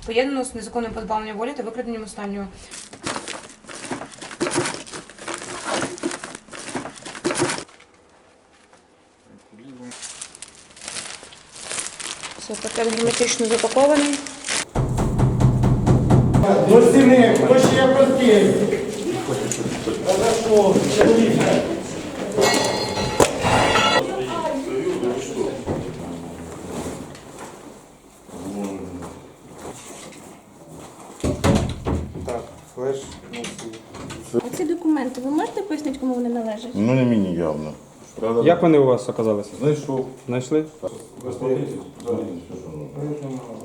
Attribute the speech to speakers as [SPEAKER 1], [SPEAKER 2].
[SPEAKER 1] поєднано з незаконним позбавленням волі та викраденням останнього. Все, пакет герметично запакований.
[SPEAKER 2] До стіни, хто ще є прості? Хорошо, так, флеш.
[SPEAKER 3] А ці документи, ви можете пояснити, кому вони належать?
[SPEAKER 4] Ну не мені явно. Правда?
[SPEAKER 5] Як вони у вас оказалися?
[SPEAKER 4] Знайшов.
[SPEAKER 5] Знайшли?
[SPEAKER 4] Розповідь.